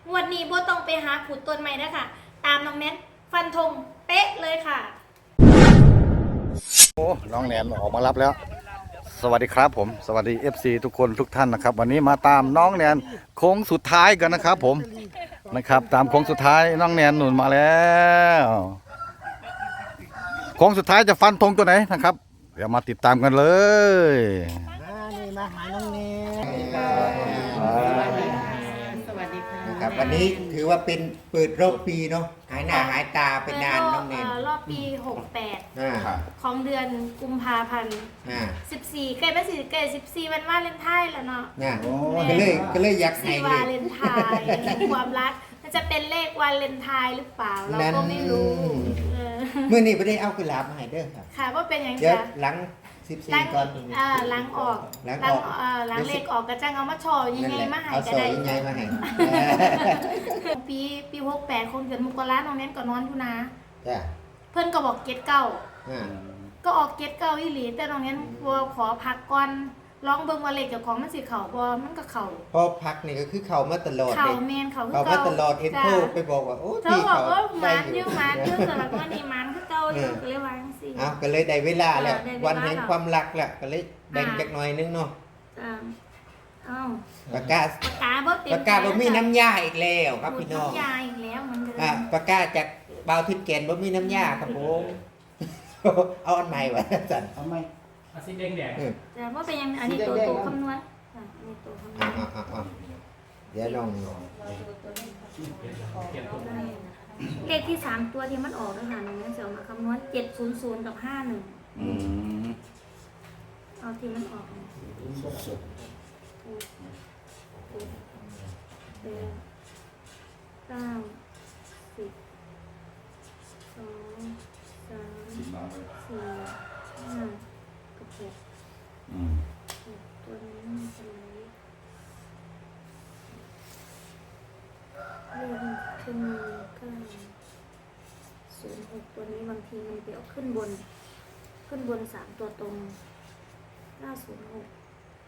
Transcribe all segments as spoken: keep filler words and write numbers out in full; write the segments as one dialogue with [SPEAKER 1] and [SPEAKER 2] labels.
[SPEAKER 1] งวดนี้โบต้องไปหาขูดต้นใหม่นะค่ะตามน้องแนนฟันธงเป๊ะเลยค่ะ
[SPEAKER 2] โอ้น้องแนนออกมารับแล้วสวัสดีครับผมสวัสดี เอฟ ซี ทุกคนทุกท่านนะครับวันนี้มาตามน้องแนนโค้งสุดท้ายกันนะครับผมนะครับตามโค้งสุดท้ายน้องแนนหนุนมาแล้วโค้งสุดท้ายจะฟันธงตัวไหนนะครับเดี๋ยวมาติดตามกันเลย
[SPEAKER 3] นี่มาหาน้องเนสวัสดีค่ะ
[SPEAKER 4] ครับวันนี้ถือว่าเป็นเปิดรอบปีเนาะหายหน้าหายตาเป็นนานน้องเนน
[SPEAKER 1] รอบปีหกสิบแปด
[SPEAKER 4] อ่า
[SPEAKER 1] ของเดือนกุมภาพันธ์
[SPEAKER 4] อ่า
[SPEAKER 1] สิบสี่ใกล้เป็นสี่ใกล้สิบสี่วันวาเลนไทน์แล้วเนาะ
[SPEAKER 4] น่ะก็เลยก็เลยอยากให้
[SPEAKER 1] สี่
[SPEAKER 4] เล
[SPEAKER 1] วาย เลนไทน์ความรักมันจะเป็นเลขวาเลนไทน์หรือเปล่าเราก็ไม่รู้เออ
[SPEAKER 4] เมื่อนี้ไม่ได้เอากุหลาบมาให้เด้อครับ
[SPEAKER 1] ค่ะว่าเป็นอย่าง
[SPEAKER 4] เดี๋ยว
[SPEAKER 1] ไร
[SPEAKER 4] หลังสิบสี่
[SPEAKER 1] ล้าง
[SPEAKER 4] ก่อน
[SPEAKER 1] อ่าล้างออก
[SPEAKER 4] ล้างออก
[SPEAKER 1] เอ่อล้างเลขออกกระจังเอามาชอยัง
[SPEAKER 4] นั่น
[SPEAKER 1] ไง
[SPEAKER 4] แหละ
[SPEAKER 1] มาใหาย
[SPEAKER 4] เอา
[SPEAKER 1] ก็
[SPEAKER 4] ซอ
[SPEAKER 1] ได้
[SPEAKER 4] ยยังไงมาให้
[SPEAKER 1] ปีปีหกแปดคงเดือนมกราน้องแนนก็นอนอยู่นะ
[SPEAKER 4] จ้ะ
[SPEAKER 1] เพื่อนก็บอกเกตเก้า
[SPEAKER 4] อ่า
[SPEAKER 1] ก็ออกเกตเก้าอีหลีแต่น้องแนนกลัวขอพักก่อนลองเบิ่งว่าเลขเจ้าของมันสิเข่าบ่มันก็เข่า
[SPEAKER 4] พอพักนี่ก็คือเขามาตลอด
[SPEAKER 1] เข่า
[SPEAKER 4] เลย
[SPEAKER 1] แมนเข่าคือ
[SPEAKER 4] เขามา
[SPEAKER 1] เก่า
[SPEAKER 4] ตลอดเอ็นโทรไปบอกว่าโอ้
[SPEAKER 1] เธอ
[SPEAKER 4] พี่
[SPEAKER 1] บอก
[SPEAKER 4] เขา
[SPEAKER 1] ว่าห
[SPEAKER 4] ได้
[SPEAKER 1] มาน
[SPEAKER 4] อ
[SPEAKER 1] อยู่ ยู่หมานอยู่สำหรับวันนี้หมานคือเก่าอยู่ก็เลยวาจังซี่
[SPEAKER 4] อ้าวก็เลยได้เวลาแล้ว
[SPEAKER 1] ได้เวลา
[SPEAKER 4] วันแห่งความรักแหละก็เลยแบ่งจักหน่อยนึงเนาะ
[SPEAKER 1] จ้าเอ้า
[SPEAKER 4] ประกาศ
[SPEAKER 1] ปากกาบ่เต็ม
[SPEAKER 4] ประกาศบ่มีน้ำยาอีกแล้วครับพี่น้อง
[SPEAKER 1] ยาอีกแล้วเหมันเดิม
[SPEAKER 4] อ่ะประกาศจากเบาทิพย์แกนบ่มีน้ำยาครับผม เอาอันใหม่ไว้สั่น
[SPEAKER 3] ทำไม
[SPEAKER 5] อาซีแดงแดง
[SPEAKER 4] เออ
[SPEAKER 1] แต่ว่าเป็นยังอันนี้ตัวตัวคำนวณอ่ะอันนี้ตัวคำนว
[SPEAKER 4] อ่ะ
[SPEAKER 1] ณ
[SPEAKER 4] อ่ะอ่ะอ่ะเดี๋ยวลอง
[SPEAKER 1] เลขที่สามตัวที่มันออกนะคะน้องแนนจะเอามาคำนวณเจ็ดศูนย์ศูนย์กับห้าหนึ่งเอาที่มันออกนะแปดเก้าสิบสองสามสี่ห้ากับหกหกตัวนี้มันจะไหนเรื่องขึ้นเก้าศูนย์หกตัวนี้บางทีมันไปเอาขึ้นบน ขึ้นบนสามตัวตรงเก้าศูนย์หก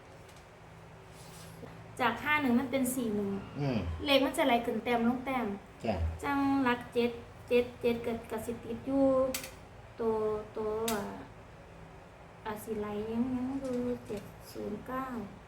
[SPEAKER 1] จากห้าหนึ่งมันเป็นสี่หนึ่ง
[SPEAKER 4] อืม
[SPEAKER 1] เลขมันจะไหลขึ้นแต้มลงแต้ม
[SPEAKER 4] จ้ะ
[SPEAKER 1] จังรักเจ็ดเจ็ดเจ็ดเกิดกับสิติดอยู่ตัวตัวอ่าอาศิไลยังยังดูเจ็ดศูนย์เก้า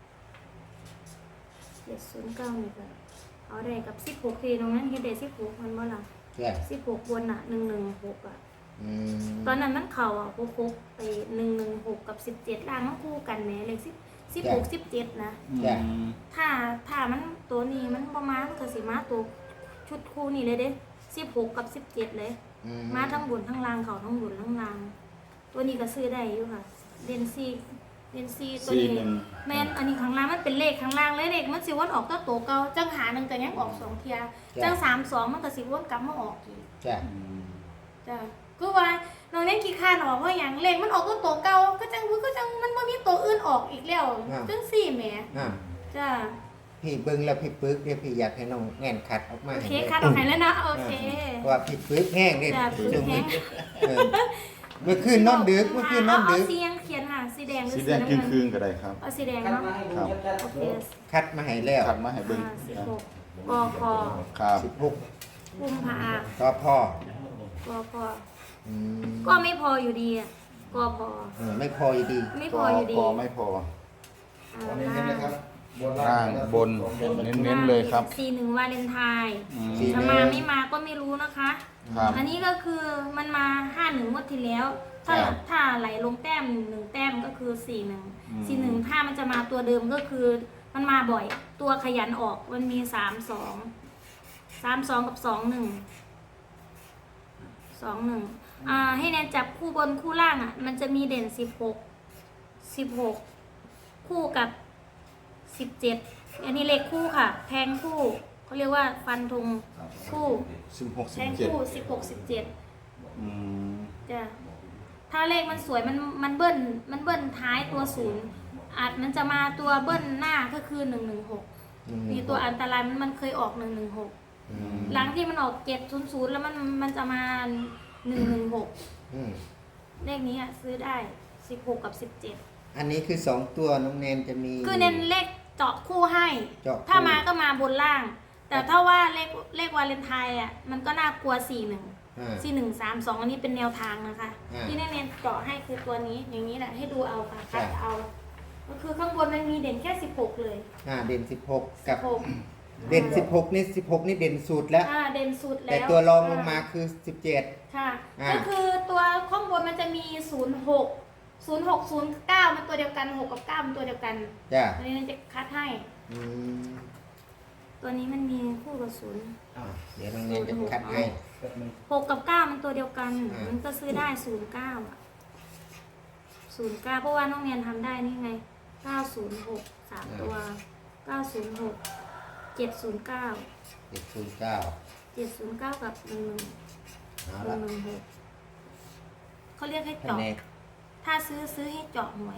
[SPEAKER 1] เจ็ดศูนย์เก้านี่ก็เอาได้กับสิบหกทีตรงนั้นเฮ็ดได้สิบหกมันบ่ล่ะ
[SPEAKER 4] จ้ะ
[SPEAKER 1] สิบหกบนอ่ะหนึ่งหนึ่งหกอ่ะ
[SPEAKER 4] อืม
[SPEAKER 1] ตอนนั้นมันเข่าอ่ะหกหกไปหนึ่งหนึ่งหกกับสิบเจ็ดล่างมันคู่กันแหมเลขสิบสิบหกสิบเจ็ดนะ
[SPEAKER 4] จ้ะ
[SPEAKER 1] ถ้าถ้ามันตัวนี้มันประมาณก็สิมาตัวชุดคู่นี่เลยเด้สิบหกกับสิบเจ็ดเลย
[SPEAKER 4] อื
[SPEAKER 1] มาทั้งบนทั้งล่างเขาทั้งบนทั้งล่าง ตัวนี้ก็ซื้อได้อยู่ค่ะเดนซีเดนซีตัวนี้แมนอันนี้ข้างล่างมันเป็นเลขข้างล่างเลยเลขมันสิวนออกตัวโตเก่าจังหาหนึ่งก็ยังออกสองเทียจังสามสองมันก็สิวนกลับมาออกอีก
[SPEAKER 4] จ้ะ
[SPEAKER 1] จ้ะคือว่าน้องเล่นกี่คานออกเพราะอย่างเลขมันออกตัวโตเก่าก็จังก็จังมันบ่มีตัวอื่นออกอีกแล้วจังสี่แหม
[SPEAKER 4] อ่ะ
[SPEAKER 1] จ้ะ
[SPEAKER 4] พี่เบิ่งแล้วพี่ปึกเดี๋ยวพี่อยากให้น้องแง่นคัดออกมา
[SPEAKER 1] โอ
[SPEAKER 4] ให้
[SPEAKER 1] เค
[SPEAKER 4] ด้
[SPEAKER 1] คัดออกให้แล้วนะโอเค
[SPEAKER 4] เพราะว่าพี่ปึกแห้งเด้
[SPEAKER 1] จ้ะปึกแห้ง
[SPEAKER 4] เออเมื่อคืนนอนดึกเมื่อคืนนอนดึก
[SPEAKER 1] เอาสียังเขียนค่ะสีแดงหรือ
[SPEAKER 2] สี
[SPEAKER 1] สี
[SPEAKER 2] แดง
[SPEAKER 1] น้ำ
[SPEAKER 2] ครึ่ง
[SPEAKER 1] เงิน
[SPEAKER 2] คืนก็ได้ครับ
[SPEAKER 1] เอาสีแดง
[SPEAKER 3] กัน
[SPEAKER 1] เนาะ
[SPEAKER 3] มาให้ดูชัด
[SPEAKER 1] โอเค
[SPEAKER 4] คัดมาให้แล้ว
[SPEAKER 2] ขัดมาให้เบิ้ง
[SPEAKER 1] ห้าสิบหกกพ
[SPEAKER 2] ครับ
[SPEAKER 4] สิบหก
[SPEAKER 1] กุมภา
[SPEAKER 4] ต่อพ่อก
[SPEAKER 1] พ
[SPEAKER 4] อืม
[SPEAKER 1] ก็ไม่พออยู่ดีอ่ะกพ
[SPEAKER 4] เออไม่พออยู่ดี
[SPEAKER 1] ไม่พออยู่ดี
[SPEAKER 2] พอไม่พอ
[SPEAKER 1] อ่าล่าง
[SPEAKER 2] ล่างบนเน้นๆเลยครับ
[SPEAKER 1] สี่หนึ่งวาเลนไทน์
[SPEAKER 2] อืม
[SPEAKER 1] จะมาไม่มาก็ไม่รู้นะคะ
[SPEAKER 2] ครับ
[SPEAKER 1] อันนี้ก็คือมันมาห้าหนึ่งงวดที่แล้ว ถ้า
[SPEAKER 2] ครับ
[SPEAKER 1] ถ้าไหลลงแต้มหนึ่งแต้มก็คือสี่หนึ่ง
[SPEAKER 2] อืม
[SPEAKER 1] สี่หนึ่งถ้ามันจะมาตัวเดิมก็คือมันมาบ่อย ตัวขยันออกมันมีสามสองสามสองกับสองหนึ่งสองหนึ่งอ่าให้แนนจับคู่บนคู่ล่างอ่ะ มันจะมีเด่นสิบหกสิบหกคู่กับสิบเจ็ดอันนี้เลขคู่ค่ะ แทงคู่เขาเรียกว่าฟันธงคู่
[SPEAKER 2] สิบหกสิ
[SPEAKER 1] แท
[SPEAKER 2] บ
[SPEAKER 1] ง
[SPEAKER 2] เจ็ด
[SPEAKER 1] คู่สิบหกสิบเจ็ด
[SPEAKER 2] อืม
[SPEAKER 1] จ้ะถ้าเลขมันสวยมันมันเบิ้ลมันเบิ้ลท้ายตัวศูนย์อาจมันจะมาตัวเบิ้ลหน้าก็คือหนึ่งหนึ่งหก
[SPEAKER 4] อืม
[SPEAKER 1] มีตัวอันตรายมันมันเคยออกหนึ่งหนึ่งหก
[SPEAKER 4] อืม
[SPEAKER 1] หลังที่มันออกเจ็ดศูนย์ศูนย์แล้วมันมันจะมาหนึ่งหนึ่งหก
[SPEAKER 4] อืม
[SPEAKER 1] เลขนี้อ่ะซื้อได้สิบหกกับสิบเจ็ด
[SPEAKER 4] อันนี้คือสองตัวน้องแนนจะมี
[SPEAKER 1] คือเน้นเลขเจาะคู่ให้
[SPEAKER 4] เจาะคู่
[SPEAKER 1] ถ้ามาก็มาบนล่างแต่ถ้าว่าเลขเลขวาเลนไทน์อ่ะมันก็น่ากลัวสี่หนึ่ง
[SPEAKER 4] อ่า
[SPEAKER 1] สี่หนึ่งสามสองอันนี้เป็นแนวทางนะคะ
[SPEAKER 4] อ่า
[SPEAKER 1] ที่แน่ๆเจาะให้คือตัวนี้อย่างนี้แหละให้ดูเอาค่ะคัด
[SPEAKER 4] ใช่
[SPEAKER 1] เอาก็คือข้างบนมันมีเด่นแค่สิบหกเลย
[SPEAKER 4] อ่าเด่นสิบหกกับ
[SPEAKER 1] หก
[SPEAKER 4] เด่นสิบหกนี่สิบหกนี่เด่นสุดแล้ว
[SPEAKER 1] อ่าเด่นสุดแล้ว
[SPEAKER 4] แต่ตัวรองลงมาคือสิบเจ็ด
[SPEAKER 1] ค่ะ
[SPEAKER 4] อ่า
[SPEAKER 1] ก็คือตัวข้างบนมันจะมีศูนย์หกศูนย์หกศูนย์เก้ามันตัวเดียวกันหกกับเก้ามันตัวเดียวกัน
[SPEAKER 4] จ้ะ
[SPEAKER 1] อันนี้มันจะคัดให้
[SPEAKER 4] อืม
[SPEAKER 1] ตัวนี้มันมีคู่กับศูนย์
[SPEAKER 4] อ่าเดี๋ยวน้องเนนจะคัดให้
[SPEAKER 1] หกกับเก้ามันตัวเดียวกัน
[SPEAKER 4] อ่ามั
[SPEAKER 1] มันก็ซื้อได้ศูนย์เก้าศูนย์เก้าเพราะว่าน้องเนียนทำได้นี่ไงเก้าศูนย์หกสามตัวเก้าศูนย์หกเจ็ดศูนย์เก้า
[SPEAKER 4] เจ็ดศูนย์เก้า
[SPEAKER 1] เจ็ดศูนย์เก้ากับหนึ่งหนึ่ง
[SPEAKER 4] เอา
[SPEAKER 1] หนึ่
[SPEAKER 4] ละ
[SPEAKER 1] งหนึ่งหกเขาเรียกให้
[SPEAKER 4] คะ
[SPEAKER 1] เจาะ
[SPEAKER 4] แนน
[SPEAKER 1] ถ้าซื้อซื้อให้เจาะหวย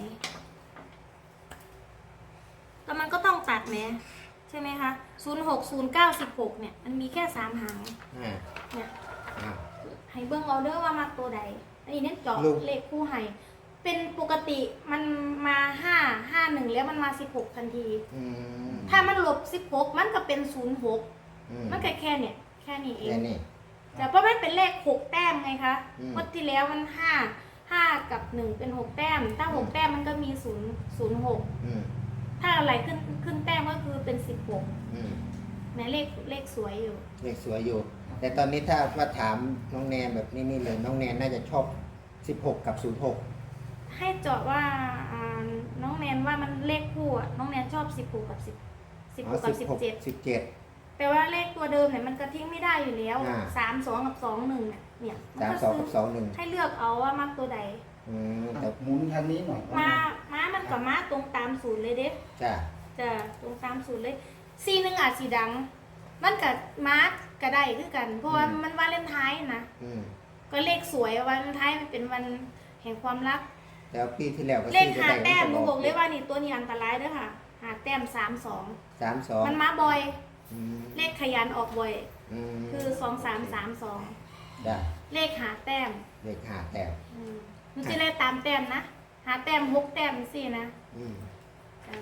[SPEAKER 1] แต่มันก็ต้องตัดไหมใช่ไหมคะศูนย์หกศูนย์เก้าสิบหกเนี่ยมันมีแค่สามหาง
[SPEAKER 4] อ่า
[SPEAKER 1] เนี่ย
[SPEAKER 4] อ่า
[SPEAKER 1] ให้เบิ้งเอาเด้อว่ามาตัวใด อันนี้เน้นเจาะ
[SPEAKER 4] ลูก
[SPEAKER 1] เลขคู่ให้เป็นปกติมันมาห้าห้าหนึ่งแล้วมันมาสิบหกทันที
[SPEAKER 4] อืม
[SPEAKER 1] ถ้ามันหลบสิบหกมันก็เป็นศูนย์หก
[SPEAKER 4] อืม
[SPEAKER 1] มันก็แค่เนี่ยแค่นี้เอ
[SPEAKER 4] แค่
[SPEAKER 1] ง
[SPEAKER 4] นี้
[SPEAKER 1] แต่เพราะมันเป็นเลขหกแต้มไงคะ
[SPEAKER 4] อืม
[SPEAKER 1] งวันที่แล้วมันห้าห้ากับหนึ่งเป็นหกแต้ม ถ้าหกแต้มมันก็มีศูนย์ศูนย์หก
[SPEAKER 4] อืม
[SPEAKER 1] ถ้าอะไรขึ้นขึ้นแต้มก็คือเป็นสิบหก
[SPEAKER 4] อืม
[SPEAKER 1] แม้เลขเลขสวยอยู่
[SPEAKER 4] เลขสวยอยู่ แต่ตอนนี้ถ้าว่าถามน้องแนนแบบนี้นี่เลยน้องแนนน่าจะชอบสิบหกกับศูนย์หก
[SPEAKER 1] ให้เจาะว่าอ่าน้องแนนว่ามันเลขคู่อะน้องแนนชอบสิบหกกับสิบสิบหกกับสิบเจ็ด
[SPEAKER 4] สิบเจ็ด
[SPEAKER 1] แปลว่าเลขตัวเดิมเนี่ยมันก็ทิ้งไม่ได้อยู่แล้ว
[SPEAKER 4] อ่า
[SPEAKER 1] สามสองกับสองหนึ่งเนี่ยเนี่ยมัน
[SPEAKER 4] สาม
[SPEAKER 1] ก็
[SPEAKER 4] สอง
[SPEAKER 1] ซื้
[SPEAKER 4] กับสองหนึ่ง
[SPEAKER 1] ให้เลือกเอาว่ามักตัวใด
[SPEAKER 4] อืมแต่
[SPEAKER 3] หมุนทางนี้หน่อย
[SPEAKER 1] มาม้ามันกับม้าตรงตามศูนย์เลยเด้
[SPEAKER 4] จ้ะ
[SPEAKER 1] จะตรงตามศูนย์เลยซีหนึ่งอาจสีดัง มันกับม้าก็ได้คือกัน เพราะว่ามันวาเลนไทน์นะ
[SPEAKER 4] อืม
[SPEAKER 1] ก็เลขสวยวาเลนไทน์มันเป็นวันแห่งความรัก
[SPEAKER 4] แล้วปีที่แล้วก็
[SPEAKER 1] เลข
[SPEAKER 4] ซื้อ
[SPEAKER 1] หา
[SPEAKER 4] ไป
[SPEAKER 1] แต้มหนู
[SPEAKER 4] ได้
[SPEAKER 1] บอกเลยว่านี่ตัวนี้อันตรายเด้อค่ะ หาแต้มสามสอง
[SPEAKER 4] สามสอง
[SPEAKER 1] มันมาบ่อย
[SPEAKER 4] อืม
[SPEAKER 1] เลขขยันออกบ่อย
[SPEAKER 4] อืม
[SPEAKER 1] คือสองสามสามสอง
[SPEAKER 4] ได้
[SPEAKER 1] เลขหาแต้ม
[SPEAKER 4] เลขห้าแต้ม
[SPEAKER 1] อืมมันจะเลขตามแต้มนะ หาแต้มหกแต้มสี่นะ
[SPEAKER 4] อืม
[SPEAKER 1] จ้ะ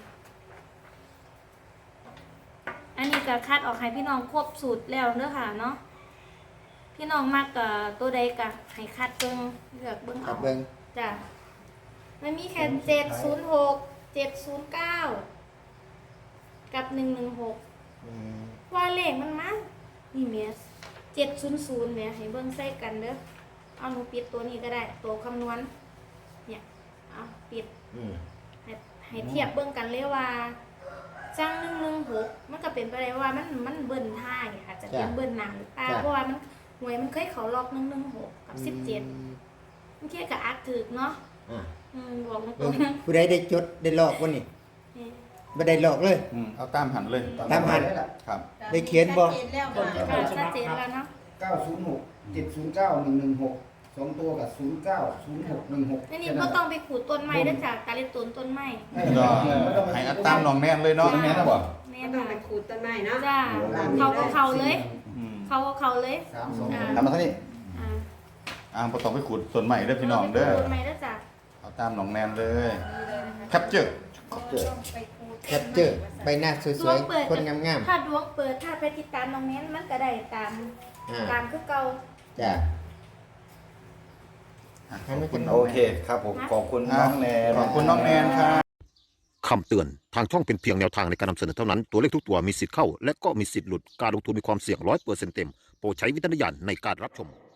[SPEAKER 1] อันนี้ก็คัดออกให้พี่น้องครบสูตรแล้วเด้อค่ะเนาะพี่น้องมากกับตัวใดก็ให้คัดเบิ่งเลือกเบิ่ง
[SPEAKER 4] ครั
[SPEAKER 1] เอา
[SPEAKER 4] บเบิ้ง
[SPEAKER 1] จ้ะมันมีแค่เจ็ดศูนย์หกเจ็ดศูนย์เก้ากับหนึ่งหนึ่งหก
[SPEAKER 4] อืม
[SPEAKER 1] ว่าเลขมันมานี่เมียเจ็ดศูนย์ศูนย์เนี่ยให้เบิ่งใส่กันเด้อเอาหนูปิดตัวนี้ก็ได้ตัวคำนวณเนี่ยเอาปิด
[SPEAKER 4] อืม
[SPEAKER 1] ให้ให้เทียบเบิ่งกันเลยว่าจังหนึ่งหนึ่งหกมันก็เป็นไปได้ว่ามันมันเบิ้ลท่ายอาจจะเป็นเบิ้ลหนังหรือเปล่าเพราะว่ามันหวยมันเคยเขาล็อกหนึ่งหนึ่งหกกับสิบเจ็ดมันเทียบกับอักถึกเนาะ
[SPEAKER 4] อ่ะ
[SPEAKER 1] อืมบอกตร
[SPEAKER 4] เบิ่ง
[SPEAKER 1] งๆนะ
[SPEAKER 4] ผู้ใดได้จดได้ลอกวะนี่
[SPEAKER 1] นี่
[SPEAKER 4] ไม่ได้ลอกเลย
[SPEAKER 2] อืมเอาตามหันเลย
[SPEAKER 4] ตามหัน
[SPEAKER 2] ครับ
[SPEAKER 4] ได้เขียนบ่
[SPEAKER 1] ก็ชัดเจนแล้วเนาะ
[SPEAKER 3] เก้าศูนย์หกเจ็ดศูนย์เก้าหนึ่งหนึ่งหกสองตัวกับศูนย์เก้าศูนย์หกหนึ่งหก
[SPEAKER 1] นี่นี่ก็ต้องไปขูดต้นไม้ได้จากการเล่นต้นต้นไม้
[SPEAKER 2] ก็ให้เอาตามน้องแนนเลยเนาะแนนนะบ่
[SPEAKER 1] แม่
[SPEAKER 5] ไม่ต้อง
[SPEAKER 1] ค่ะ
[SPEAKER 5] ไปขูดต้นไม้เนาะ
[SPEAKER 1] จ้าเขาก็เขาเลย
[SPEAKER 2] อืม
[SPEAKER 1] เขาก็เขาเลย
[SPEAKER 3] สามสอง
[SPEAKER 1] อ่า
[SPEAKER 2] ทำมาเท่านี้
[SPEAKER 1] อ่า
[SPEAKER 2] อ่าบ่ต้องไปขุดต้นใหม่เด้อพี่น้องเด้อ
[SPEAKER 1] ต้นไม้ได้จาก
[SPEAKER 2] เอาตามน้องแนนเลยแคปเจอร์
[SPEAKER 4] แคปเจอร์ใบหน้าส
[SPEAKER 1] ด
[SPEAKER 4] ว
[SPEAKER 1] วย งเปิด
[SPEAKER 4] ๆ คนงาม
[SPEAKER 1] ถ้าดวงเปิดถ้าไปติดตามน้องแนนมันก็ได้ตาม
[SPEAKER 4] ๆอ่า
[SPEAKER 1] ตามคือเก่า
[SPEAKER 4] จ้ะ
[SPEAKER 2] ขอบคุณ
[SPEAKER 4] โอเค
[SPEAKER 2] ครับผมขอบคุณน้องแนนขอบคุณน้องแนนครับ
[SPEAKER 6] คำเตือน ทางช่องเป็นเพียงแนวทางในการนำเสนอเท่านั้น ตัวเลขทุกตัวมีสิทธิ์เข้า และก็มีสิทธิ์หลุด การลงทุนมีความเสี่ยงร้อยเปอร์เซ็นต์เต็ม โปรดใช้วิจารณญาณในการรับชม